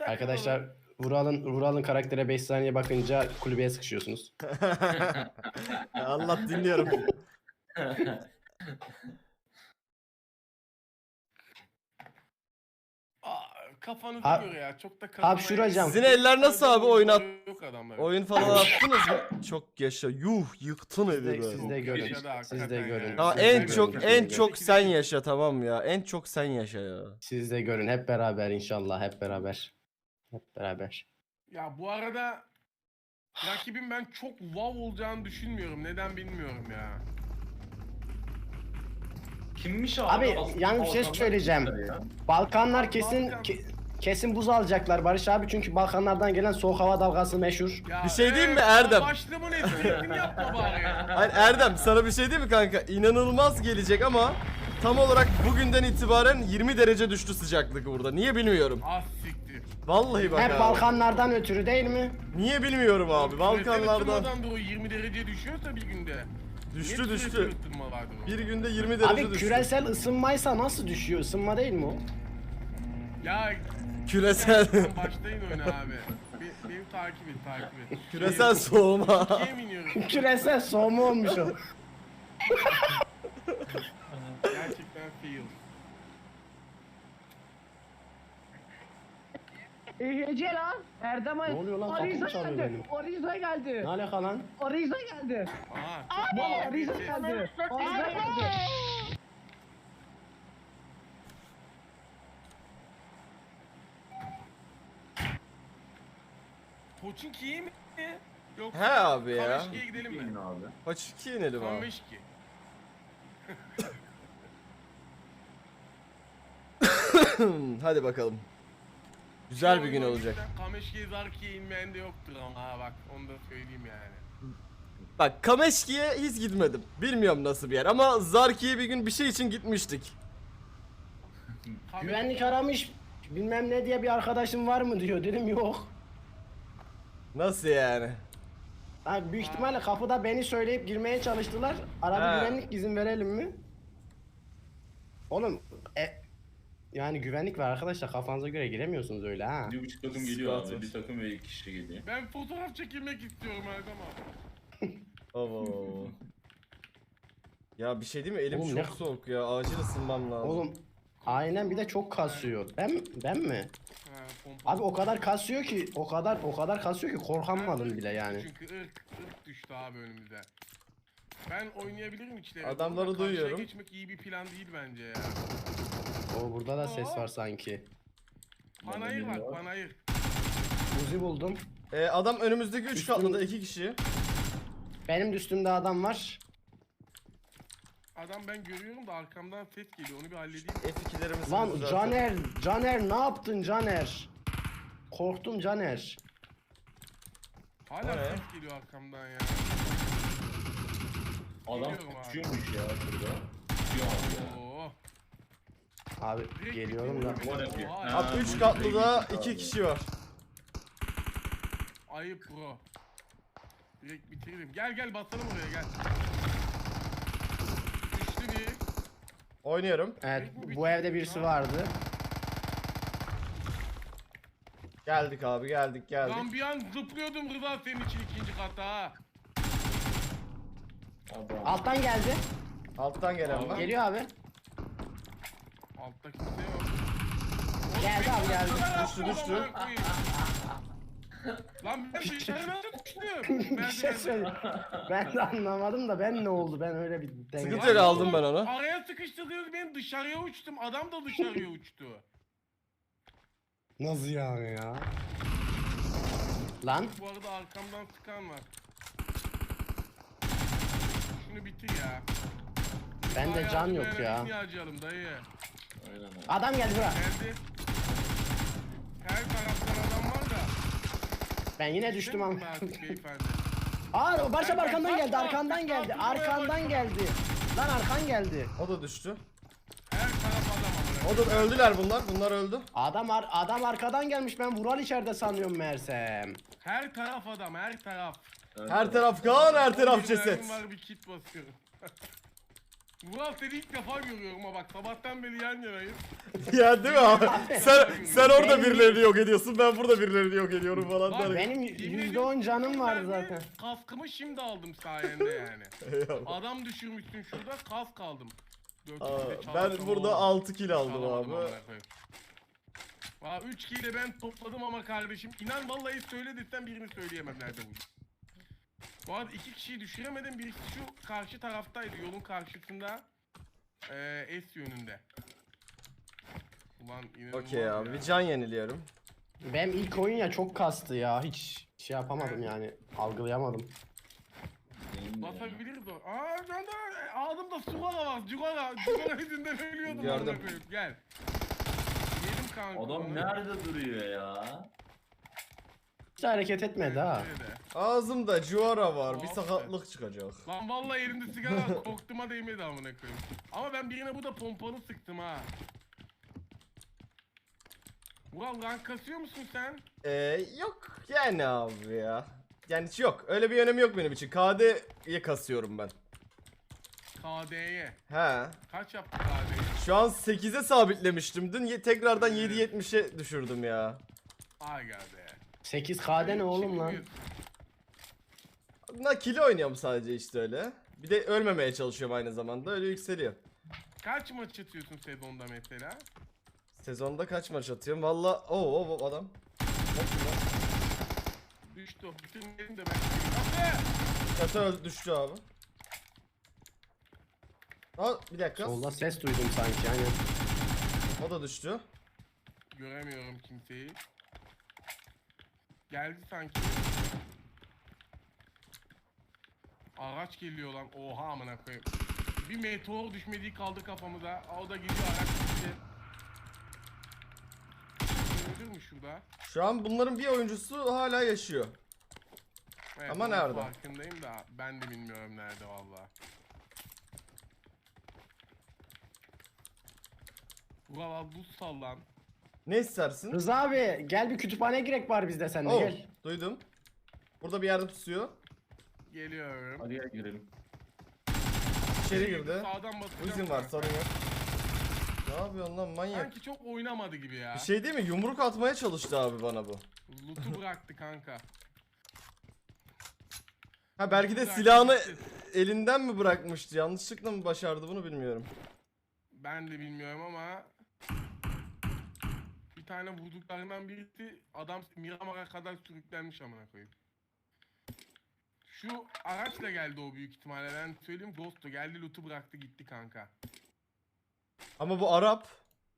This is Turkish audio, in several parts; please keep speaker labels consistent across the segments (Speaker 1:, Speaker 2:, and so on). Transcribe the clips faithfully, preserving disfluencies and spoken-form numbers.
Speaker 1: Arkadaşlar Vural'ın Vural'ın karaktere beş saniye bakınca kulübeye sıkışıyorsunuz.
Speaker 2: Ya Allah dinliyorum.
Speaker 3: Aa, kafanıza
Speaker 1: Ha-
Speaker 3: göre ya. Çok da
Speaker 1: hapşuracağım.
Speaker 2: Sizin eller nasıl abi, oynat?
Speaker 3: Yok adamlar.
Speaker 2: Oyun falan attınız mı? Çok yaşa. Yuh, yıktın
Speaker 1: Siz
Speaker 2: evi
Speaker 1: de,
Speaker 2: be.
Speaker 1: siz de görün.
Speaker 3: Yaşadı
Speaker 1: Siz de
Speaker 3: hakikaten
Speaker 1: görün.
Speaker 3: ya.
Speaker 2: Tamam,
Speaker 1: siz de
Speaker 2: en
Speaker 1: görün,
Speaker 2: çok
Speaker 1: siz de
Speaker 2: en
Speaker 1: görün.
Speaker 2: çok sen yaşa, tamam ya. En çok sen yaşa ya.
Speaker 1: Siz de görün hep beraber inşallah hep beraber. Hep beraber.
Speaker 3: Ya bu arada rakibim ben çok wow olacağını düşünmüyorum. Neden bilmiyorum ya.
Speaker 4: Kimmiş abi?
Speaker 1: Abi
Speaker 4: Aslında
Speaker 1: yalnız bir şey
Speaker 4: Balkanlar
Speaker 1: söyleyeceğim.
Speaker 4: kimler ya?
Speaker 1: Balkanlar kesin
Speaker 3: Balkan-
Speaker 1: ke- kesin buz alacaklar Barış abi çünkü Balkanlardan gelen soğuk hava dalgası meşhur.
Speaker 3: Ya
Speaker 2: Bir şey diyeyim mi
Speaker 3: evet,
Speaker 2: Erdem?
Speaker 3: Başlığımın esprisini yapma bari ya.
Speaker 2: Hayır Erdem, sana bir şey diyeyim mi kanka? İnanılmaz gelecek ama tam olarak bugünden itibaren yirmi derece düştü sıcaklık burada. Niye bilmiyorum.
Speaker 3: Az siktir.
Speaker 2: Vallahi bak
Speaker 1: Hep
Speaker 2: abi.
Speaker 1: Balkanlardan ötürü değil mi?
Speaker 2: Niye bilmiyorum abi. Balkanlardan
Speaker 3: Balkanlardan da o yirmi derece düşüyorsa bir günde.
Speaker 2: düştü
Speaker 3: Niye
Speaker 2: düştü.
Speaker 3: küresel ısınma vardır o?
Speaker 2: Bir günde yirmi derece
Speaker 1: Abi
Speaker 2: düştü.
Speaker 1: küresel ısınmaysa nasıl düşüyor? Isınma değil mi o?
Speaker 3: Ya
Speaker 2: Küresel
Speaker 3: sen başlayın oyuna abi. Be- beni takip et takip et.
Speaker 2: küresel soğuma.
Speaker 3: İkiye mi iniyoruz?
Speaker 1: Küresel soğuma olmuş o.
Speaker 3: Gerçekten fail.
Speaker 5: Ece lan Erdem
Speaker 1: Ne oluyor lan?
Speaker 5: Ariza
Speaker 1: Kapım çalıyor
Speaker 5: geldi.
Speaker 1: benim.
Speaker 5: Ariza geldi.
Speaker 1: Ne alaka lan?
Speaker 5: Ariza geldi.
Speaker 3: Aha çok
Speaker 5: Baba
Speaker 3: bağlı bir
Speaker 5: Ariza
Speaker 3: ses.
Speaker 5: geldi. Ariza geldi.
Speaker 3: Poçinki'ye mi? Yok.
Speaker 2: He abi ya.
Speaker 3: Kameşki'ye gidelim
Speaker 4: Bilin
Speaker 3: mi?
Speaker 4: abi.
Speaker 2: Kaç iki inelim abi.
Speaker 3: Kameşki.
Speaker 2: Hadi bakalım. Güzel bir gün olacak.
Speaker 3: Kameşki'ye Zarki'ye inmeyen de yoktur ama ha bak onu da söyleyeyim yani.
Speaker 2: Bak Kameşki'ye hiç gitmedim. Bilmiyorum nasıl bir yer ama Zarki'ye bir gün bir şey için gitmiştik.
Speaker 3: Kameşki-
Speaker 1: Güvenlik aramış. Bilmem ne diye bir arkadaşım var mı diyor. Dedim yok.
Speaker 2: Nasıl yani?
Speaker 1: Ha, büyük ihtimalle kapıda beni söyleyip girmeye çalıştılar. Arada
Speaker 2: He.
Speaker 1: güvenlik izin verelim mi? Oğlum e, yani güvenlik var arkadaşlar kafanıza göre giremiyorsunuz öyle ha.
Speaker 4: Bir buçuk takım geliyor
Speaker 2: Sıkıntı.
Speaker 4: abi. Bir takım ve iki kişi geliyor.
Speaker 3: Ben fotoğraf çekilmek istiyorum Erdem abi.
Speaker 2: Oo. Ya bir şey değil mi? Elim
Speaker 1: Oğlum
Speaker 2: çok
Speaker 1: ne-
Speaker 2: soğuk ya. Acil ısınmam lazım.
Speaker 1: Oğlum aynen bir de çok kasıyor. Ben ben mi?
Speaker 3: Ha, pompa.
Speaker 1: Abi o kadar kasıyor ki o kadar o kadar kasıyor ki korkamadım bile yani.
Speaker 3: Çünkü ırk, ırk düştü abi önümüze. Ben oynayabilirim içleri.
Speaker 2: Adamları
Speaker 3: Burada karşıya
Speaker 2: duyuyorum.
Speaker 3: geçmek iyi bir plan değil bence ya.
Speaker 1: O burada da ses var sanki.
Speaker 3: Panayır
Speaker 4: Bana
Speaker 3: bak panayır.
Speaker 1: Uzi buldum.
Speaker 2: Ee, adam önümüzdeki üç
Speaker 1: Üstüm-
Speaker 2: katlıda iki kişi.
Speaker 1: Benim de üstümde adam var.
Speaker 3: Adam ben görüyorum da arkamdan ses geliyor onu bir halledeyim.
Speaker 2: F iki'lerimiz
Speaker 1: Lan Caner, Caner ne yaptın Caner? Korktum Caner.
Speaker 3: Hala
Speaker 2: O ne?
Speaker 3: ses geliyor arkamdan ya.
Speaker 4: Adam
Speaker 3: Geliyorum abi.
Speaker 4: tutuyormuş ya şurada. Tutuyor abi ya.
Speaker 3: Oo.
Speaker 1: Abi
Speaker 3: Direkt
Speaker 1: geliyorum da.
Speaker 3: gidiyorum.
Speaker 4: Var yapıyor.
Speaker 3: Oha,
Speaker 4: Ha.
Speaker 2: Abi üç katlıda iki kişi var.
Speaker 3: Ayıp bro. Direkt bitirelim. Gel gel basalım oraya gel. Düştü bir.
Speaker 2: Oynuyorum.
Speaker 1: Evet bu evde birisi vardı.
Speaker 2: Geldik abi, geldik geldik.
Speaker 3: Lan bir an zıplıyordum Rıza senin için ikinci kata ha.
Speaker 4: Adam.
Speaker 1: Alttan geldi.
Speaker 2: Alttan gelen var.
Speaker 1: Geliyor abi.
Speaker 3: Altta kimse yok.
Speaker 1: Geldi abi geldi.
Speaker 2: Düştü, düştü.
Speaker 3: Amına koyayım. Lan ben dışarı nasıl düştüm?
Speaker 1: Bir şey söyle. Ben de anlamadım da ben ne oldu? Ben öyle bir denge.
Speaker 2: Sıkıntı yok, aldım ben onu.
Speaker 3: Araya sıkıştırıyoruz ben dışarıya uçtum. Adam da dışarıya uçtu.
Speaker 1: Nasıl yani ya? Lan
Speaker 3: Bu arada arkamdan sıkan var. Şunu bitir ya.
Speaker 1: bende
Speaker 3: Bayağı
Speaker 1: can
Speaker 3: bir
Speaker 1: yok ya.
Speaker 3: enerjisini harcayalım dayı.
Speaker 4: Aynen abi.
Speaker 1: Adam geldi bura.
Speaker 3: Geldi. Her taraftan adam var da.
Speaker 1: Ben yine düştüm ama.
Speaker 3: Değil mi artık beyefendi?
Speaker 1: Aa Barış abi
Speaker 3: Ben-
Speaker 1: arkandan
Speaker 3: ben-
Speaker 1: geldi,
Speaker 3: ben-
Speaker 1: arkandan
Speaker 3: ben-
Speaker 1: geldi,
Speaker 3: ben-
Speaker 1: arkandan geldi. Lan arkan geldi.
Speaker 2: O da düştü.
Speaker 3: Her taraf adam ama.
Speaker 2: O da öldüler bunlar. Bunlar öldü.
Speaker 1: Adam ar adam arkadan gelmiş. Ben Vural içeride sanıyorum meğersem.
Speaker 3: Her taraf adam, her taraf.
Speaker 2: Her taraf kan, her taraf
Speaker 3: Bir
Speaker 2: ceset.
Speaker 3: mermim var bir kit basıyorum. Vural seni ilk defa görüyorum ama bak sabahtan beri yan yanayız.
Speaker 2: Ya değil mi abi? Sen, sen orada birilerini yok ediyorsun, ben burada birilerini yok ediyorum falan.
Speaker 3: Bak,
Speaker 2: derken.
Speaker 1: Benim
Speaker 3: Yemin
Speaker 1: yüzde on canım vardı
Speaker 3: Ben de
Speaker 1: zaten.
Speaker 3: Kaskımı şimdi aldım sayende yani.
Speaker 2: Eyvallah.
Speaker 3: Adam düşürmüşsün şurada, kask aldım. Dört
Speaker 2: Aa,
Speaker 3: kişide
Speaker 2: ben
Speaker 3: çalasam
Speaker 2: burada
Speaker 3: oldu.
Speaker 2: altı kill aldım
Speaker 3: Çalamadım
Speaker 2: abi.
Speaker 3: amına koyayım. Valla üç kill de ben topladım ama kardeşim inan vallahi söyle desem birini söyleyemem nerede bu. Bu arada iki kişiyi düşüremedim, birisi şu karşı taraftaydı, yolun karşısında. Eee S yönünde. Ulan inanılmaz
Speaker 2: Okey abi,
Speaker 3: ya.
Speaker 2: bir can yeniliyorum.
Speaker 1: Benim ilk oyun ya çok kastı ya. Hiç şey yapamadım yani. Algılayamadım.
Speaker 4: Benim de ya.
Speaker 3: Basabiliriz o. Aa ben de ağzımda sugara var. Cugara. Cugara yüzünden ölüyordum.
Speaker 2: Gördüm.
Speaker 3: amına koyayım. Gel. Yedim kanka.
Speaker 4: Adam
Speaker 3: onu.
Speaker 4: nerede duruyor ya?
Speaker 1: Hiç hareket etmedi ha.
Speaker 3: Nerede?
Speaker 2: Ağzımda cuara var, bir
Speaker 3: Tuhaf
Speaker 2: sakatlık çıkacak.
Speaker 3: Lan vallahi elimde sigara var. Korktuğuma değmedi amına koyayım. Ama ben birine bu da pompalı sıktım ha. Vural rank kasıyor musun sen?
Speaker 2: Ee, yok yani abi ya. Yani hiç yok, öyle bir önemi yok benim için. K D'ye kasıyorum ben.
Speaker 3: K D'ye.
Speaker 2: He.
Speaker 3: Kaç yaptı K D'yi?
Speaker 2: Şu an sekize sabitlemiştim. Dün ye- tekrardan yedi yetmişe düşürdüm ya.
Speaker 3: Ay be.
Speaker 1: sekiz K'de ne oğlum lan?
Speaker 2: Na kilo oynuyorum sadece işte öyle. Bir de ölmemeye çalışıyorum aynı zamanda, öyle yükseliyor.
Speaker 3: Kaç maç atıyorsun sezonda mesela?
Speaker 2: Sezonda kaç maç atıyorum? Valla o o adam. Bakın lan.
Speaker 3: Düştü o. Bitirmeyelim de ben. Hadi!
Speaker 2: Kasa öldü, düştü abi. Aa, bir dakika.
Speaker 1: Solda ses duydum sanki aynen.
Speaker 2: O da düştü.
Speaker 3: Göremiyorum kimseyi. Geldi sanki. Araç geliyor lan. Oha amına koyayım. Bir meteor düşmediği kaldı kafamıza. Aa, o da gidiyor araç gitti. Öldür mü şurada?
Speaker 2: Şu an bunların bir oyuncusu hala yaşıyor.
Speaker 3: Evet,
Speaker 2: Ama
Speaker 3: onun
Speaker 2: nerede?
Speaker 3: Farkındayım da ben de bilmiyorum nerede valla. Ulan buz sallan.
Speaker 2: Ne istersin?
Speaker 1: Rıza abi gel bir kütüphaneye girek var bizde sende
Speaker 2: Oh,
Speaker 1: gel.
Speaker 2: duydum. Burada bir yerde tutuyor.
Speaker 3: Geliyorum.
Speaker 4: Hadi gel girelim.
Speaker 2: İçeri girdi.
Speaker 3: Sağdan basacağım.
Speaker 2: Uzun var,
Speaker 3: kanka.
Speaker 2: sorun yok. Ne yapıyorsun lan manyak?
Speaker 3: Sanki çok oynamadı gibi ya.
Speaker 2: Bir şey değil mi? Yumruk atmaya çalıştı abi bana bu.
Speaker 3: Loot'u bıraktı kanka.
Speaker 2: Ha belki de
Speaker 3: Bıraktı
Speaker 2: silahını
Speaker 3: gitti.
Speaker 2: elinden mi bırakmıştı? Yanlışlıkla mı başardı bunu bilmiyorum.
Speaker 3: Ben de bilmiyorum ama bir tane vurduklarından birisi adam Miramar'a kadar sürüklenmiş amına koyayım. Şu araçla geldi o büyük ihtimalle, ben söyleyeyim. Ghost'u geldi, loot'u bıraktı gitti kanka.
Speaker 2: Ama bu Arap.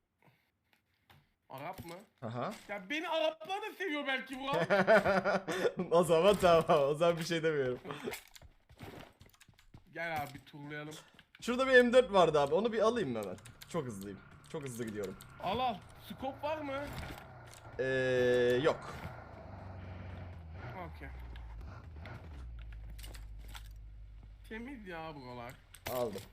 Speaker 3: Arap mı?
Speaker 2: Aha.
Speaker 3: Ya beni Araplar da seviyor belki bu.
Speaker 2: O zaman tamam. O zaman bir şey demiyorum.
Speaker 3: Gel abi bir turlayalım.
Speaker 2: Şurada bir M dört vardı abi. Onu bir alayım mı hemen? Çok hızlıyım. Çok hızlı gidiyorum.
Speaker 3: Al al. Scope var mı?
Speaker 2: Ee, yok.
Speaker 3: Okey. Temiz ya buralar.
Speaker 2: Aldım.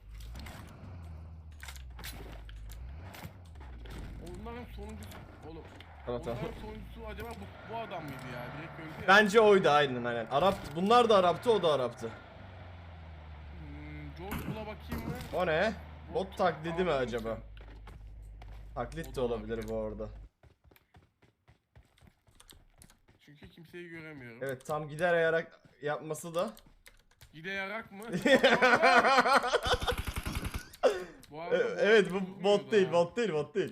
Speaker 3: Onların sonuncusu oğlum.
Speaker 2: Tamam tamam.
Speaker 3: Onların sonuncusu acaba bu, bu adam mıydı ya? Direkt öldü ya.
Speaker 2: Bence oydu aynen aynen. Arap. Bunlar da Arap'tı, o da Arap'tı.
Speaker 3: Hmm, George Bull'a bakayım mı?
Speaker 2: O ne? Bot taklidi mi
Speaker 3: Aa,
Speaker 2: acaba?
Speaker 3: O
Speaker 2: Taklit
Speaker 3: da
Speaker 2: de olabilir
Speaker 3: olabilir.
Speaker 2: bu arada.
Speaker 3: Çünkü kimseyi göremiyorum.
Speaker 2: Evet, tam gider ayarak yapması da.
Speaker 3: Gide yarak mı? Bu arada
Speaker 2: E- evet, bu
Speaker 3: vurmuyordu
Speaker 2: bot değil,
Speaker 3: ha.
Speaker 2: bot değil, bot değil.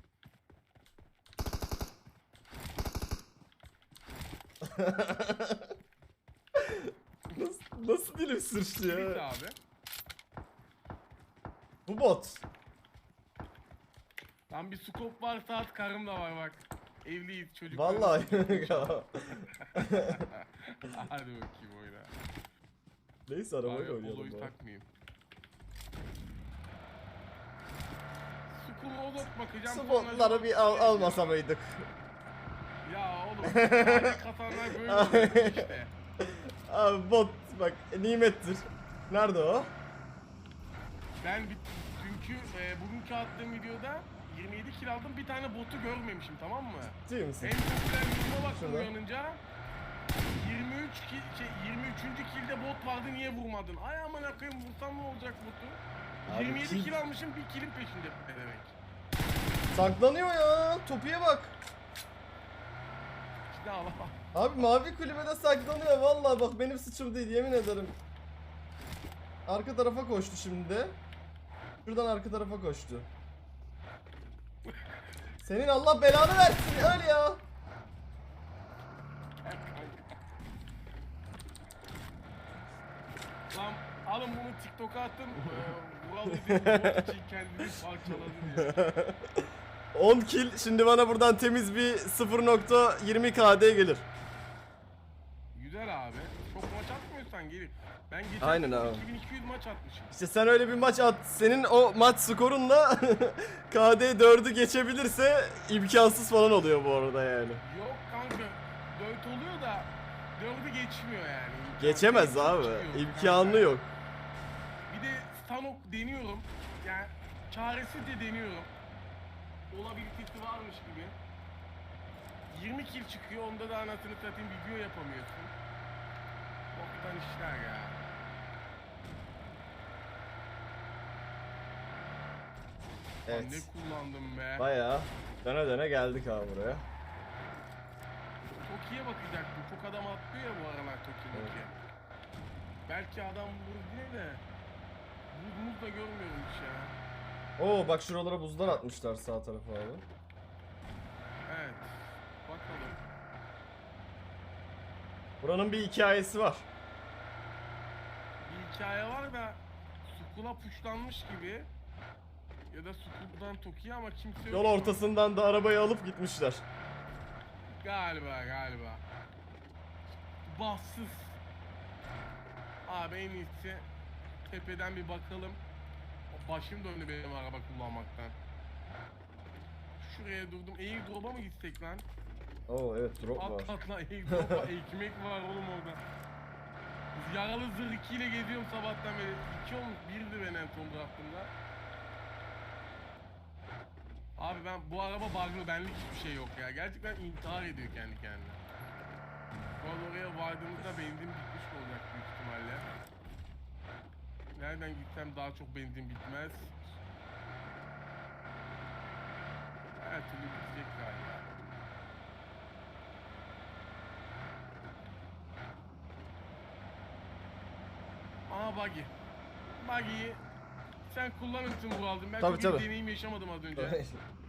Speaker 2: nasıl, nasıl dilim sırçtı
Speaker 3: Tweet
Speaker 2: ya?
Speaker 3: abi.
Speaker 2: Bu bot.
Speaker 3: Lan bir scope var, saat karım da var bak. Evliyiz çocuk.
Speaker 2: Vallahi.
Speaker 3: Hadi bakayım oyna.
Speaker 2: Neyse arabayla
Speaker 3: Abi
Speaker 2: oynayalım.
Speaker 3: poloyu
Speaker 2: ya.
Speaker 3: takmayayım. Skull Rodot bakacağım.
Speaker 2: Spotları
Speaker 3: sonra-
Speaker 2: bir al, almasa mıydık?
Speaker 3: Ya oğlum. Sadece katanlar böyle oluyor işte.
Speaker 2: Abi bot bak nimettir. Nerede o?
Speaker 3: Ben bir, dünkü e, bugünkü attığım videoda yirmi yedi kill aldım, bir tane botu görmemişim, tamam mı?
Speaker 2: Değil misin?
Speaker 3: En popüler videoma baktım
Speaker 2: Şurada.
Speaker 3: uyanınca. yirmi üç kill, şey, yirmi üçüncü killde bot vardı, niye vurmadın? Ay aman akıyım, vursam ne olacak botu?
Speaker 2: Abi
Speaker 3: yirmi yedi
Speaker 2: kill-
Speaker 3: kill almışım, bir kill'in peşinde ne demek?
Speaker 2: Saklanıyor ya. Topuya bak.
Speaker 3: İşte Allah.
Speaker 2: Abi mavi kulübede saklanıyor vallahi bak benim suçum değil yemin ederim. Arka tarafa koştu şimdi. Şuradan arka tarafa koştu. Senin Allah belanı versin öl ya.
Speaker 3: Lan alın bunu TikTok'a attım. Ee, Vural izlediği için kendini parçaladı diye.
Speaker 2: on kill şimdi bana buradan temiz bir sıfır nokta yirmi K D gelir.
Speaker 3: Güzel abi. Çok maç atmıyorsan gelir. Ben geçen
Speaker 2: Aynen
Speaker 3: sene
Speaker 2: abi.
Speaker 3: iki bin iki yüz maç atmışım.
Speaker 2: İşte sen öyle bir maç at. Senin o maç skorunla K D dördü geçebilirse imkansız falan oluyor bu arada yani.
Speaker 3: Yok kanka. dört oluyor da dördü geçmiyor yani. İmkanı
Speaker 2: Geçemez
Speaker 3: yok,
Speaker 2: abi.
Speaker 3: çıkıyor
Speaker 2: İmkanı
Speaker 3: kanka.
Speaker 2: yok.
Speaker 3: Bir de Stanok deniyorum. Yani çaresizce deniyorum. Olabilitesi varmış gibi. yirmi kill çıkıyor. Onda da anasını satayım video yapamıyorsun. Boktan işler ya. Lan
Speaker 2: Evet.
Speaker 3: ne kullandım be.
Speaker 2: Bayağı döne döne geldik abi buraya.
Speaker 3: Toki'ye bakacaktım. Çok adam atlıyor ya bu aralar Toki
Speaker 2: Evet.
Speaker 3: Toki. Belki adam vurur diye de. Buz muz da görmüyorum hiç ya.
Speaker 2: Oo bak şuralara buzlar atmışlar sağ tarafa abi.
Speaker 3: Evet. Bakalım.
Speaker 2: Buranın bir hikayesi var.
Speaker 3: Bir hikaye var da Sukula puşlanmış gibi. Ya da Sukul'dan Toki'ye ama kimse yok.
Speaker 2: Yol ortasından da arabayı alıp gitmişler.
Speaker 3: Galiba galiba. Bassız. Abi en iyisi tepeden bir bakalım. Başım döndü benim araba kullanmaktan. Şuraya durdum. Airdrop'a mı gitsek lan?
Speaker 2: Oo evet drop var.
Speaker 3: At at lan Airdrop'a ekmek var oğlum orada. Yaralı zırh iki ile geziyorum sabahtan beri. iki olmuş, birdi ben en son bıraktığımda. Abi ben bu araba bug'lı, benlik hiçbir şey yok ya. Gerçekten intihar ediyor kendi kendine. Bu arada oraya vardığımızda benzin bitmiş olacak büyük ihtimalle. Nereden gitsem daha çok benzin bitmez. Her türlü bitecek galiba. Aa buggy. Buggy'yi sen kullanırsın bu aldım. Ben
Speaker 2: Tabii,
Speaker 3: çok iyi
Speaker 2: tabii.
Speaker 3: deneyim yaşamadım az önce.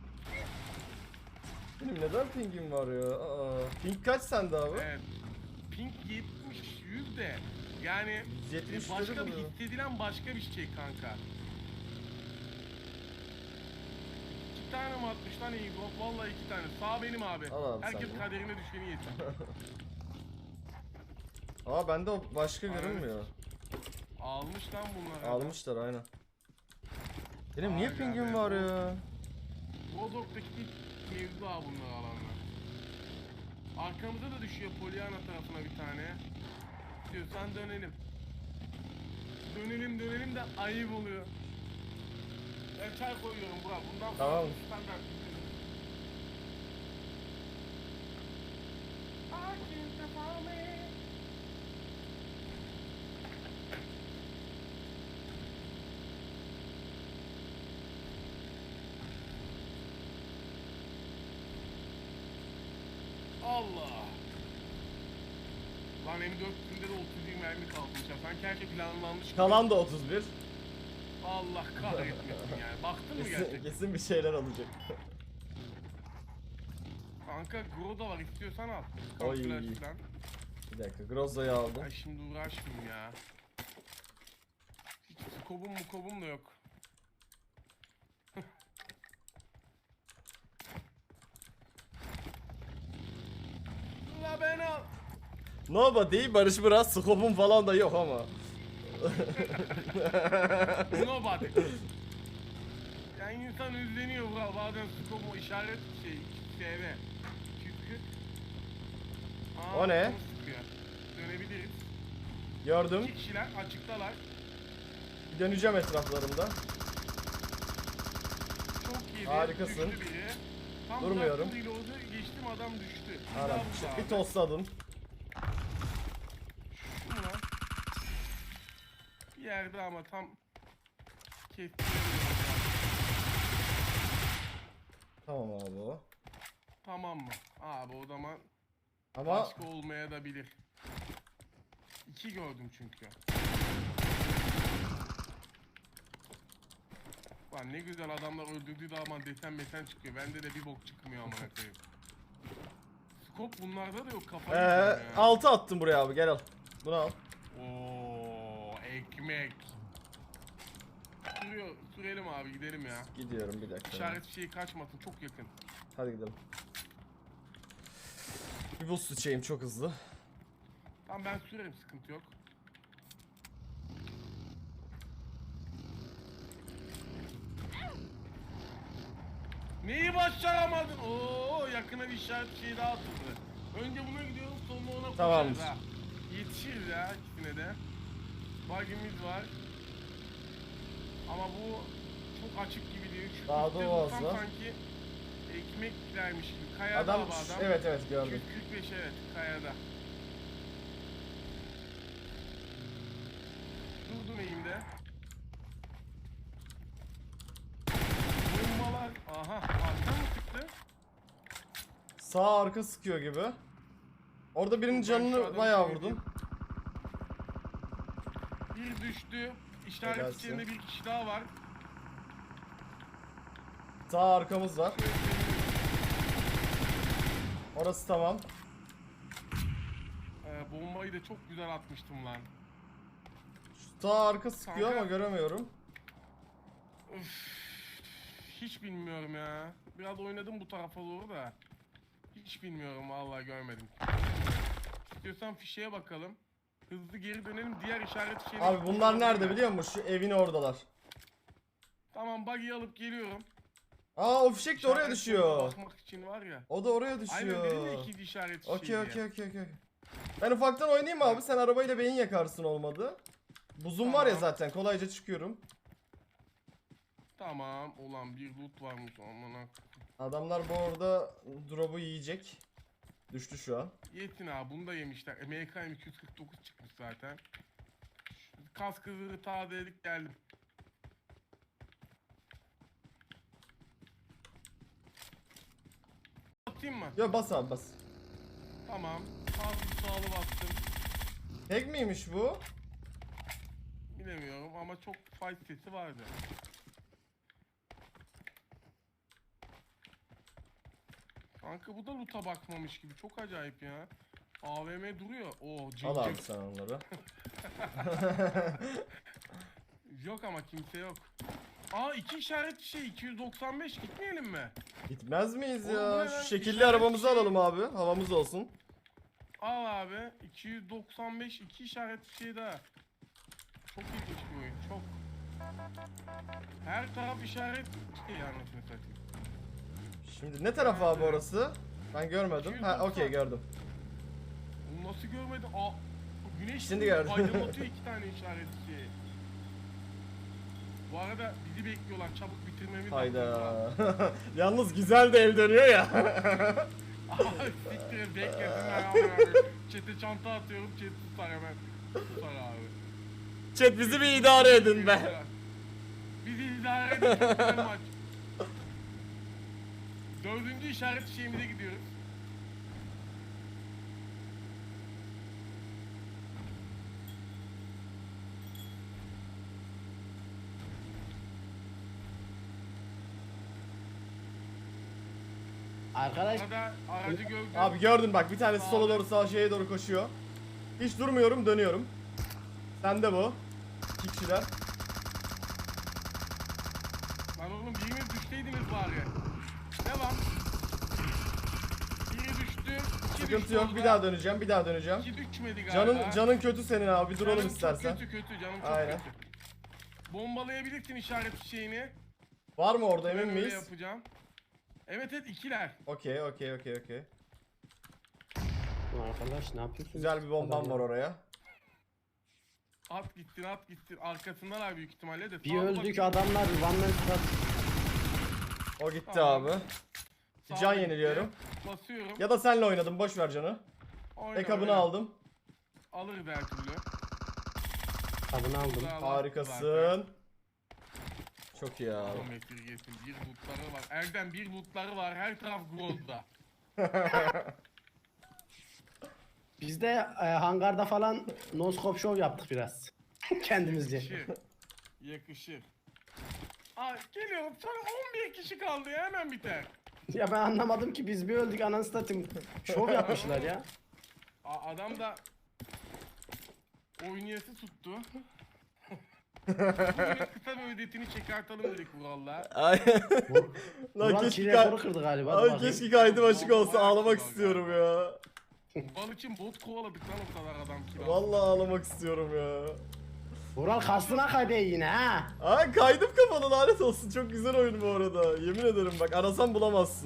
Speaker 2: Benim neden pingim var ya? Aa, ping kaç sende abi?
Speaker 3: Evet. Pink yetmiş, yüz de yani
Speaker 2: yüz yetmiş
Speaker 3: başka
Speaker 2: dedi
Speaker 3: bir
Speaker 2: bunu.
Speaker 3: hissedilen başka bir şey kanka. İki tane mi atmış lan iyi gol? Vallahi iki tane. Sağ benim abi.
Speaker 2: Al abi
Speaker 3: Herkes
Speaker 2: sen de.
Speaker 3: kaderine düşeni yesin.
Speaker 2: Aa bende o başka
Speaker 3: Evet.
Speaker 2: görünmüyor.
Speaker 3: Almış lan bunlar.
Speaker 2: Almışlar aynen. Benim niye
Speaker 3: Aynen
Speaker 2: pingim
Speaker 3: be,
Speaker 2: var
Speaker 3: bu-
Speaker 2: ya?
Speaker 3: Rodok'taki ilk mevzu ha bunlar alanlar. Arkamıza da düşüyor Pollyanna tarafına bir tane. Diyorsan dönelim. Dönelim dönelim de ayıp oluyor. Ben çay koyuyorum Burak. Bundan sonra
Speaker 2: Tamam.
Speaker 3: bu standart. I can't follow me. Allah. Lan M dört yüzünde de otuz yirmi mermi kalmış ya. Sanki her şey planlanmış gibi.
Speaker 2: Kalan da otuz bir.
Speaker 3: Allah kahretmesin yani. Baktın mı
Speaker 2: Kesin,
Speaker 3: gerçekten?
Speaker 2: kesin bir şeyler olacak.
Speaker 3: Kanka Groza var istiyorsan al.
Speaker 2: Oy.
Speaker 3: Kalkülasyon.
Speaker 2: Bir dakika Grozza'yı aldım.
Speaker 3: Ay şimdi uğraşmayayım ya. Hiç skobum mu kobum da yok. La ben al.
Speaker 2: Nobody Barış biraz skopum falan da yok ama.
Speaker 3: Nobody. Yani insan üzleniyor bura. Bazen skobu işaret şey S V. Çünkü. Aa,
Speaker 2: O ne?
Speaker 3: canım sıkıyor. Dönebiliriz.
Speaker 2: Gördüm.
Speaker 3: İki kişiler açıktalar.
Speaker 2: Bir döneceğim etraflarında.
Speaker 3: Çok iyi.
Speaker 2: Harikasın.
Speaker 3: Düştü biri. Tam
Speaker 2: Durmuyorum.
Speaker 3: bıraktım reload'u, geçtim adam düştü. Bir
Speaker 2: Ara,
Speaker 3: daha vurdu
Speaker 2: bir
Speaker 3: abi.
Speaker 2: tosladım.
Speaker 3: Şu mu lan? Bir yerde ama tam kestiremiyorum.
Speaker 2: Tamam abi o.
Speaker 3: Tamam mı? Abi o zaman
Speaker 2: Ama
Speaker 3: başka olmaya da bilir. İki gördüm çünkü. Lan ne güzel adamlar öldürdüğü zaman desen besen çıkıyor. Bende de bir bok çıkmıyor amına koyayım. Skop bunlarda da yok, kafayı
Speaker 2: ee,
Speaker 3: yiyeceğim ya.
Speaker 2: altı attım buraya abi, gel al. Bunu al.
Speaker 3: Oo, ekmek. Sürüyor, sürelim abi, gidelim ya.
Speaker 2: Gidiyorum bir dakika.
Speaker 3: İşaret şeyi kaçmasın, çok yakın.
Speaker 2: Hadi gidelim. Bir boost içeyim çok hızlı.
Speaker 3: Tamam ben sürerim, sıkıntı yok. Neyi başaramadın? Oo, yakına bir işaret şeyi daha atıldı. Önce buna gidiyorum, sonra ona koşarız
Speaker 2: Tamamdır.
Speaker 3: ha. Yetişiriz ya ikisine de. Bug'imiz var. Ama bu çok açık gibi değil. Şu
Speaker 2: Daha
Speaker 3: üstte
Speaker 2: da
Speaker 3: dursam
Speaker 2: fazla.
Speaker 3: sanki ekmeklermiş gibi. Kayada
Speaker 2: Adam,
Speaker 3: abi adam.
Speaker 2: evet evet gördüm.
Speaker 3: iki yüz kırk beş evet, kayada. Durdum eğimde. Bombalar. Aha, arkadan mı çıktı?
Speaker 2: Sağ arka sıkıyor gibi. Orada birinin
Speaker 3: Ben şu
Speaker 2: canını
Speaker 3: adamı
Speaker 2: bayağı
Speaker 3: söyleyeyim.
Speaker 2: vurdum.
Speaker 3: Bir düştü. İşaret
Speaker 2: Helalsin.
Speaker 3: içinde bir kişi daha var.
Speaker 2: Sağ arkamız var. Orası tamam.
Speaker 3: Ee, bombayı da çok güzel atmıştım lan.
Speaker 2: Sağ arka sıkıyor
Speaker 3: Kanka.
Speaker 2: ama göremiyorum.
Speaker 3: Üf, hiç bilmiyorum ya. Biraz oynadım bu tarafa doğru da. Hiç bilmiyorum, vallahi görmedim. İstiyorsan fişeye bakalım. Hızlı geri dönelim, diğer işaret şeyini...
Speaker 2: Abi bunlar nerede biliyor musun? Şu evin oradalar.
Speaker 3: Tamam, buggy'i alıp geliyorum.
Speaker 2: Aa, o fişek de oraya
Speaker 3: İşaret
Speaker 2: düşüyor.
Speaker 3: şeyine bakmak için var ya.
Speaker 2: O da oraya
Speaker 3: Aynen
Speaker 2: düşüyor.
Speaker 3: dedim ya, ikinci işaret şeyi
Speaker 2: Okey
Speaker 3: diye.
Speaker 2: okey okey okey. Ben ufaktan oynayayım mı abi? Sen arabayla beyin yakarsın olmadı. Buzum var ya
Speaker 3: Tamam.
Speaker 2: zaten, kolayca çıkıyorum.
Speaker 3: Tamam, ulan bir loot varmış amına.
Speaker 2: Adamlar bu arada drop'u yiyecek. Düştü şu an.
Speaker 3: Yetin abi, bunu da yemişler. E, M K M iki yüz kırk dokuz çıkmış zaten. Kaskı zırhı tazeledik, geldim. Atayım mı?
Speaker 2: Ya bas abi bas.
Speaker 3: Tamam. Hafif sağlı bastım.
Speaker 2: Hack miymiş bu?
Speaker 3: Bilemiyorum ama çok fight sesi vardı. Kanka bu da loot'a bakmamış gibi. Çok acayip ya. A V M duruyor. Oo,
Speaker 2: Al abi
Speaker 3: cincik.
Speaker 2: sen onları.
Speaker 3: Yok ama kimse yok. Aa, iki işaret şey, iki yüz doksan beş gitmeyelim mi?
Speaker 2: Gitmez miyiz
Speaker 3: Oğlum bu
Speaker 2: ya?
Speaker 3: ne lan?
Speaker 2: Şu şekilli
Speaker 3: İşaret
Speaker 2: arabamızı
Speaker 3: şey-
Speaker 2: alalım abi. Havamız olsun.
Speaker 3: Al abi, iki yüz doksan beş, iki işaret şey daha. Çok ilginç bir oyun, çok. Her taraf işaret şey anasını satayım.
Speaker 2: Şimdi ne taraf abi orası? Ben görmedim. Ha okey gördüm.
Speaker 3: Bunu nasıl görmedin? Aa, güneş
Speaker 2: Şimdi
Speaker 3: vuruyor,
Speaker 2: gördüm.
Speaker 3: aydınlatıyor iki tane işaret şey. Bu arada bizi bekliyorlar, çabuk bitirmemiz lazım.
Speaker 2: Hayda. Yalnız güzel de el dönüyor ya.
Speaker 3: Abi siktir et, beklesinler abi. Çete çanta atıyorum, chat tutar hemen. Tutar abi.
Speaker 2: Chat bizi bir idare edin be.
Speaker 3: Bizi idare edin, çok güzel maç. Dördüncü işaret şeyimize gidiyoruz.
Speaker 1: Arkadaş
Speaker 3: Arada aracı gördüm.
Speaker 2: Abi gördün bak, bir tanesi sola doğru sağ şeye doğru koşuyor. Hiç durmuyorum, dönüyorum. Sende bu. İki kişiler.
Speaker 3: Lan oğlum biriniz düşteydiniz bari. Devam. Biri düştü. iki
Speaker 2: Sıkıntı
Speaker 3: düştü
Speaker 2: yok.
Speaker 3: orada.
Speaker 2: Bir daha döneceğim. Bir daha döneceğim.
Speaker 3: İki düşmedi galiba.
Speaker 2: Canın canın kötü senin abi. Bir duralım
Speaker 3: Canım
Speaker 2: istersen.
Speaker 3: Çok kötü kötü canım çok
Speaker 2: Aynen.
Speaker 3: kötü. Bombalayabilirsin işaret şeyini.
Speaker 2: Var mı orada,
Speaker 3: Ben
Speaker 2: emin
Speaker 3: öyle
Speaker 2: miyiz?
Speaker 3: yapacağım. Evet evet, ikiler.
Speaker 2: Okey okey okey okey.
Speaker 1: arkadaş ne yapıyorsun?
Speaker 2: Güzel bir bombam var oraya.
Speaker 3: At gitsin at gitsin. Arkasındalar büyük ihtimalle de.
Speaker 1: Bir
Speaker 3: Sağa
Speaker 1: öldük
Speaker 3: bakayım.
Speaker 1: adamlar one man squad.
Speaker 2: O gitti
Speaker 3: Tamam.
Speaker 2: abi.
Speaker 3: Sağa
Speaker 2: Can
Speaker 3: gitti.
Speaker 2: yeniliyorum.
Speaker 3: Basıyorum.
Speaker 2: Ya da senle oynadım. Boş ver canı.
Speaker 3: Oyna,
Speaker 2: Ekabını
Speaker 3: oyna.
Speaker 2: aldım.
Speaker 3: Alırız her türlü.
Speaker 1: Kabını aldım.
Speaker 3: Güzel, zaten.
Speaker 2: Harikasın. Çok iyi abi.
Speaker 3: Adam esirgesin. Bir lootları var. Erdem bir lootları var. Her taraf Groz'da.
Speaker 1: Biz de e, hangarda falan noskop show yaptık biraz. Kendimizce.
Speaker 3: Yakışır. Yakışır. Aa, geliyorum. Son on bir kişi kaldı ya. Hemen biter.
Speaker 1: Ya ben anlamadım ki biz bir öldük anasını satayım. Şov yapmışlar ya.
Speaker 3: A- adam da oynayası tuttu. Bugünün kısa bir ödetini çıkartalım dedik Vural'la.
Speaker 2: Ay. Lan
Speaker 1: Vural
Speaker 2: keşke
Speaker 1: ki
Speaker 2: kay-
Speaker 1: rekoru kırdı galiba. Dur
Speaker 2: Ay
Speaker 1: bakayım.
Speaker 2: keşke kaydım açık olsa
Speaker 3: Bayağı
Speaker 2: ağlamak
Speaker 3: kilo
Speaker 2: istiyorum
Speaker 3: galiba.
Speaker 2: ya.
Speaker 3: Vural için bot kovaladık lan o kadar adam kilo.
Speaker 2: Vallahi ağlamak istiyorum ya.
Speaker 1: Vural kastına kaydı yine ha.
Speaker 2: Ay kaydım kafanı lanet olsun. Çok güzel oyun bu arada. Yemin ederim bak arasan bulamazsın.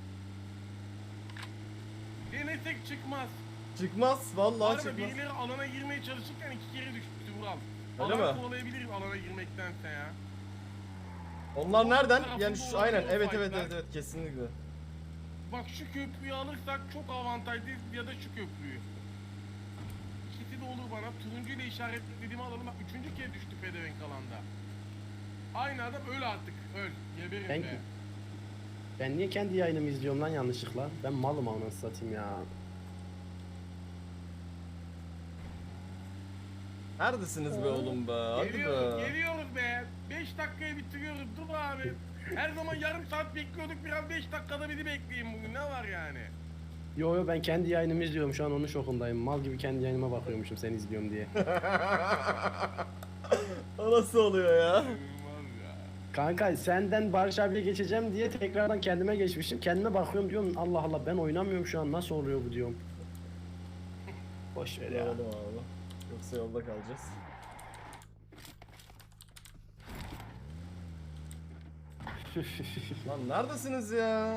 Speaker 3: Denesek çıkmaz.
Speaker 2: Çıkmaz vallahi
Speaker 3: Arada
Speaker 2: çıkmaz.
Speaker 3: birileri alana girmeye çalışırken iki kere düştü Vural.
Speaker 2: Öyle
Speaker 3: Alan
Speaker 2: mi?
Speaker 3: kovalayabiliriz alana girmektense ya.
Speaker 2: Onlar nereden?
Speaker 3: tarafında
Speaker 2: Yani şu
Speaker 3: olabilir
Speaker 2: aynen
Speaker 3: o
Speaker 2: evet evet
Speaker 3: fightlar.
Speaker 2: evet evet kesinlikle.
Speaker 3: Bak şu köprüyü alırsak çok avantajlıyız ya da şu köprüyü. İkisi de olur bana. Turuncu ile işaretlediğimi alalım. Bak üçüncü kez düştü pedevenk alanda. Aynı adam öl artık. Öl. Geberin
Speaker 1: Ben,
Speaker 3: be.
Speaker 1: ben niye kendi yayınımı izliyorum lan yanlışlıkla? Ben malım anasını satayım ya.
Speaker 2: Neredesiniz be oğlum be? Hadi
Speaker 3: Geliyoruz,
Speaker 2: be.
Speaker 3: geliyoruz be. beş dakikaya bitiriyoruz. Dur abi. Her zaman yarım saat bekliyorduk. Biraz beş dakikada beni bekleyin bugün. Ne var yani?
Speaker 1: Yo yo ben kendi yayınımı izliyorum şu an onun şokundayım. Mal gibi kendi yayınıma bakıyormuşum seni izliyorum diye.
Speaker 2: O nasıl oluyor ya?
Speaker 3: İnanılmaz ya.
Speaker 1: Kanka senden Barış abiye geçeceğim diye tekrardan kendime geçmişim. Kendime bakıyorum diyorum Allah Allah ben oynamıyorum şu an nasıl oluyor bu diyorum. Boş ver ya.
Speaker 2: Oğlum abi. Yoksa yolda kalacağız. Lan neredesiniz ya?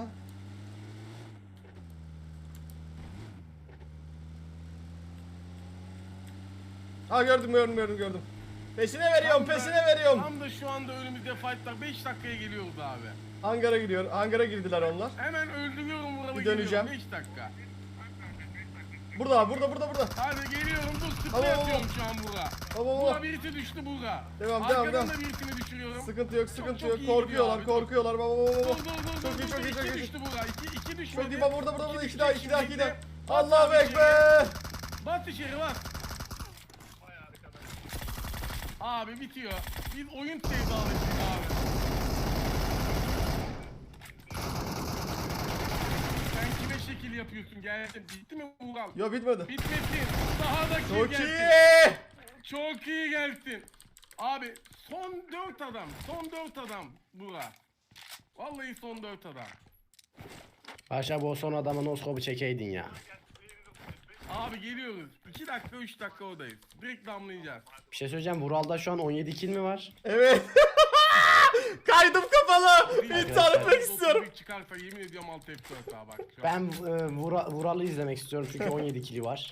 Speaker 2: Ha gördüm gördüm gördüm gördüm. Peşine veriyorum
Speaker 3: Tam da-
Speaker 2: peşine veriyorum.
Speaker 3: Tam da şu anda önümüzde fightlar. beş dakikaya geliyoruz abi.
Speaker 2: Hangara gidiyor. Hangara girdiler onlar.
Speaker 3: Hemen öldürüyorum buralı
Speaker 2: Bir döneceğim.
Speaker 3: beş dakika.
Speaker 2: Burada burada burada burada.
Speaker 3: Hadi geliyorum dur sprey
Speaker 2: Tamam, tamam.
Speaker 3: atıyorum şu an bura.
Speaker 2: Tamam
Speaker 3: Bura
Speaker 2: tamam.
Speaker 3: birisi düştü bura.
Speaker 2: Devam, devam,
Speaker 3: Arkadan
Speaker 2: devam.
Speaker 3: da birisini düşürüyorum.
Speaker 2: Sıkıntı yok sıkıntı
Speaker 3: çok
Speaker 2: yok.
Speaker 3: iyi gidiyor
Speaker 2: Korkuyorlar
Speaker 3: abi,
Speaker 2: korkuyorlar. Baba baba
Speaker 3: Dur
Speaker 2: baba.
Speaker 3: dur dur
Speaker 2: Çok
Speaker 3: dur
Speaker 2: iyi
Speaker 3: dur,
Speaker 2: çok iyi
Speaker 3: iki
Speaker 2: çok iyi.
Speaker 3: düştü bura. İki, iki düşmedi.
Speaker 2: Çok iyi baba burada burada burada.
Speaker 3: İki
Speaker 2: İki daha iki
Speaker 3: düşecek
Speaker 2: daha iki daha.
Speaker 3: şimdi. Bas
Speaker 2: Allahu
Speaker 3: abi içeri.
Speaker 2: Ekber.
Speaker 3: Bas içeri bas. Abi bitiyor. Biz oyun sevdalıyız abi. Sen kime şekil yapıyorsun? Geldin. Bitti mi Ural?
Speaker 2: Yo bitmedi.
Speaker 3: Bitmesin. Daha da kill
Speaker 2: Çok
Speaker 3: gelsin.
Speaker 2: iyi.
Speaker 3: Çok iyi gelsin. Abi son dört adam. Son dört adam bura. Vallahi son dört adam.
Speaker 1: Barış abi o son adama noskopu çekeydin ya.
Speaker 3: Abi geliyoruz. iki dakika üç dakika oradayız. Direkt damlayacağız.
Speaker 1: Bir şey söyleyeceğim Vural'da şu an on yedi kill mi var?
Speaker 2: Evet. Kaydım kafalı. İntihar etmek
Speaker 3: otuz
Speaker 2: istiyorum.
Speaker 3: bir çıkarsa yemin ediyorum alt F dört daha bak. Şu an.
Speaker 1: Ben e, Vura- Vural'ı izlemek istiyorum çünkü on yedi kill'i var.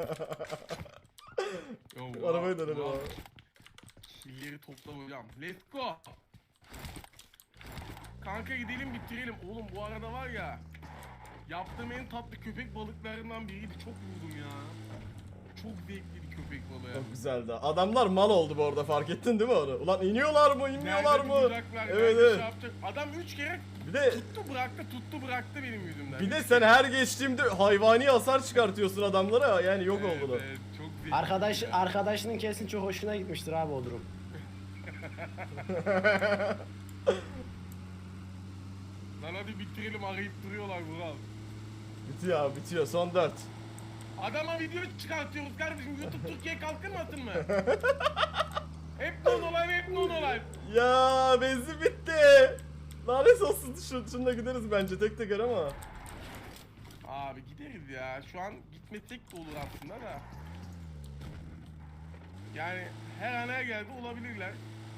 Speaker 3: Yo,
Speaker 2: Şu
Speaker 3: wow,
Speaker 2: arabayı dönelim
Speaker 3: wow.
Speaker 2: abi.
Speaker 3: Killeri topla hocam. Let's go. Kanka gidelim bitirelim. Oğlum bu arada var ya. Yaptığım en tatlı köpek balıklarından biriydi. Çok vurdum ya. Çok zevkliydi köpek balığı.
Speaker 2: Çok güzeldi. Adamlar mal oldu bu arada fark ettin değil mi onu? Ulan iniyorlar mı inmiyorlar
Speaker 3: Nerede
Speaker 2: mı?
Speaker 3: duracaklar,
Speaker 2: Evet
Speaker 3: nerede
Speaker 2: evet.
Speaker 3: şey yapacak? Adam üç kere
Speaker 2: Bir de
Speaker 3: tuttu bıraktı tuttu bıraktı benim yüzümden.
Speaker 2: bir de
Speaker 3: Üç
Speaker 2: sen
Speaker 3: kere.
Speaker 2: her geçtiğimde hayvani hasar çıkartıyorsun adamlara yani yok
Speaker 3: Evet,
Speaker 2: oldular.
Speaker 3: evet, çok zevkli
Speaker 1: Arkadaş
Speaker 3: ya.
Speaker 1: arkadaşının kesin çok hoşuna gitmiştir abi o durum.
Speaker 3: Lan hadi bitirelim arayıp duruyorlar Vural.
Speaker 2: Bitiyor abi bitiyor son dört.
Speaker 3: Adama video çıkartıyoruz kardeşim. YouTube Türkiye kalkınmasın mı? Hep non olay hep non olay.
Speaker 2: Ya benzin bitti. Lanet olsun şu, şununla gideriz bence tek teker ama.
Speaker 3: Abi gideriz ya. Şu an gitmesek de olur aslında da. Yani her an her yerde olabilirler.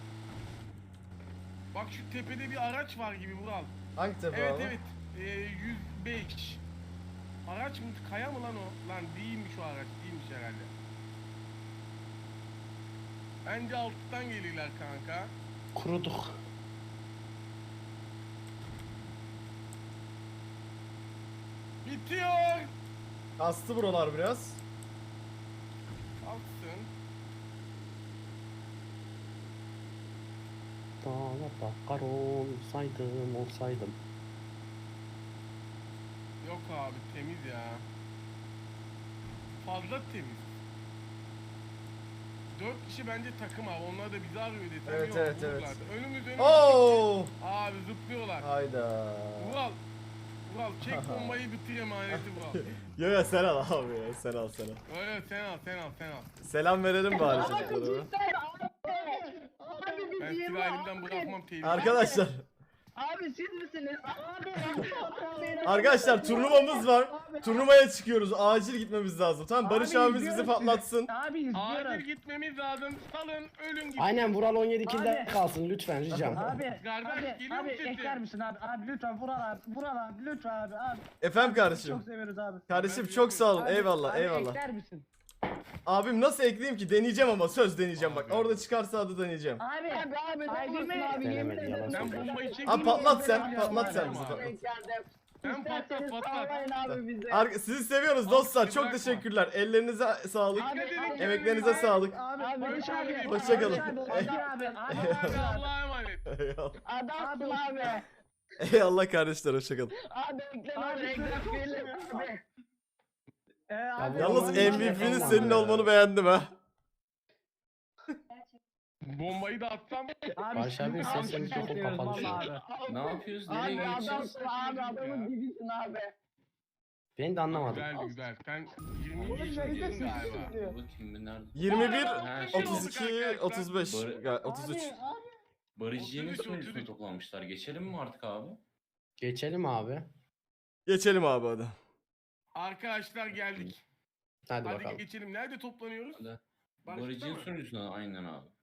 Speaker 3: Bak şu tepede bir araç var gibi Vural.
Speaker 2: Hangi tepe
Speaker 3: Evet
Speaker 2: abi?
Speaker 3: evet. Ee, yüz beş. Araç mı? Kaya mı lan o? Lan değilmiş o araç. Değilmiş herhalde. Bence alttan gelirler kanka.
Speaker 1: Kuruduk.
Speaker 3: Bitiyor.
Speaker 2: Kastı buralar biraz.
Speaker 3: Alsın.
Speaker 1: Ta Bakar olsaydım olsaydım.
Speaker 3: Yok abi temiz ya. Fazla temiz. Dört kişi bence takım abi. Onlar da bizi arıyor desem
Speaker 2: Evet,
Speaker 3: yok.
Speaker 2: evet, evet.
Speaker 3: vururlardı. Önümüz önümüz.
Speaker 2: Oo!
Speaker 3: Abi zıplıyorlar.
Speaker 2: Hayda.
Speaker 3: Vural. Vural çek bombayı bitir emaneti Vural.
Speaker 2: Yo yo sen al abi ya. Sen al sen al.
Speaker 3: Öyle sen al sen al sen al.
Speaker 2: Selam verelim bari
Speaker 5: Abi
Speaker 2: çocuklara.
Speaker 5: cidden abi. Abi biz
Speaker 3: Ben
Speaker 5: yirmi
Speaker 3: silahı elimden
Speaker 5: abi.
Speaker 3: bırakmam teyze.
Speaker 2: Arkadaşlar.
Speaker 5: Abi siz misiniz? Abi. abi.
Speaker 2: Arkadaşlar turnuvamız var. Turnuvaya çıkıyoruz. Acil gitmemiz lazım. Tamam Barış
Speaker 5: Abi,
Speaker 2: abimiz bizi
Speaker 5: izliyoruz sizi.
Speaker 2: patlatsın.
Speaker 5: Abi izliyorum.
Speaker 3: Acil gitmemiz lazım. Salın ölün gitsin.
Speaker 1: Aynen Vural on yedi kilde
Speaker 5: Abi.
Speaker 1: kalsın lütfen ricam.
Speaker 5: Abi,
Speaker 3: Kardeş,
Speaker 5: abi,
Speaker 3: geliyor
Speaker 5: abi
Speaker 3: mu sesin?
Speaker 5: ekler misin abi? Abi lütfen Vural abi, Vural abi, lütfen abi, abi.
Speaker 2: Efendim kardeşim.
Speaker 5: Çok seviyoruz abi.
Speaker 2: Kardeşim çok sağ olun.
Speaker 5: Abi,
Speaker 2: Eyvallah
Speaker 5: abi
Speaker 2: eyvallah.
Speaker 5: ekler misin?
Speaker 2: Abim nasıl ekleyeyim ki? Deneyeceğim ama söz deneyeceğim bak.
Speaker 3: Abi.
Speaker 2: Orada çıkarsa adı deneyeceğim.
Speaker 5: Abi, abi, abi, abi, abi,
Speaker 1: Denemedi, yalan
Speaker 3: Ben
Speaker 1: söylüyor.
Speaker 3: bombayı çek.
Speaker 2: Abi patlat sen.
Speaker 5: Abi,
Speaker 2: Patlat
Speaker 5: abi,
Speaker 2: sen
Speaker 5: abi.
Speaker 2: bizi patlat.
Speaker 3: Sen patlat patlat.
Speaker 2: Ar- Sizi seviyoruz dostlar. Çok
Speaker 3: bırakma.
Speaker 2: teşekkürler. Ellerinize sağlık.
Speaker 3: Abi, abi,
Speaker 2: Emeklerinize
Speaker 3: abi.
Speaker 2: sağlık.
Speaker 5: Abi, Barış abi,
Speaker 2: Hoşçakalın.
Speaker 5: Barış abi, Barış abi, abi,
Speaker 3: Abi
Speaker 5: abi.
Speaker 3: Allah'a emanet.
Speaker 2: Eyvallah.
Speaker 5: Adamsın abi.
Speaker 2: Eyvallah kardeşler hoşçakalın.
Speaker 5: Abi ekle abi, ekle abi. Ee, abi,
Speaker 2: Yalnız
Speaker 1: Aman
Speaker 2: M
Speaker 1: hiç
Speaker 2: V P'nin
Speaker 1: yapamam
Speaker 2: senin
Speaker 1: ya.
Speaker 2: olmanı beğendim ha.
Speaker 3: Bombayı da atsam.
Speaker 5: Abi,
Speaker 1: Barış abi,
Speaker 5: abi,
Speaker 1: sesini
Speaker 5: çok
Speaker 1: çok
Speaker 5: seviyoruz
Speaker 1: kapalı şu
Speaker 5: vallahi
Speaker 1: an.
Speaker 5: abi.
Speaker 4: Ne yapıyoruz? Nereye
Speaker 5: Abi
Speaker 4: geçeceğiz?
Speaker 5: adamsın abi, adamın gibisin abi.
Speaker 1: Ben de anlamadım.
Speaker 3: Güzeldi güzel. Sen yirmi yaşındaydın galiba.
Speaker 4: Bakayım bir nerede?
Speaker 2: yirmi bir,
Speaker 4: Ha,
Speaker 2: otuz iki, otuz beş,
Speaker 4: Barı-
Speaker 2: ya otuz üç.
Speaker 4: Barışçı'nın
Speaker 3: otuz üç, otuz
Speaker 4: sunucusuna
Speaker 3: üç.
Speaker 4: toplanmışlar. Geçelim mi artık abi?
Speaker 1: Geçelim abi.
Speaker 2: Geçelim abi hadi.
Speaker 3: Arkadaşlar geldik.
Speaker 1: Hadi
Speaker 3: Hadi
Speaker 1: bakalım.
Speaker 3: geçelim. Nerede toplanıyoruz?
Speaker 4: Hadi.
Speaker 3: Barış'ta
Speaker 4: Barışçı'nın
Speaker 3: mı?
Speaker 4: sunucusuna aynen abi.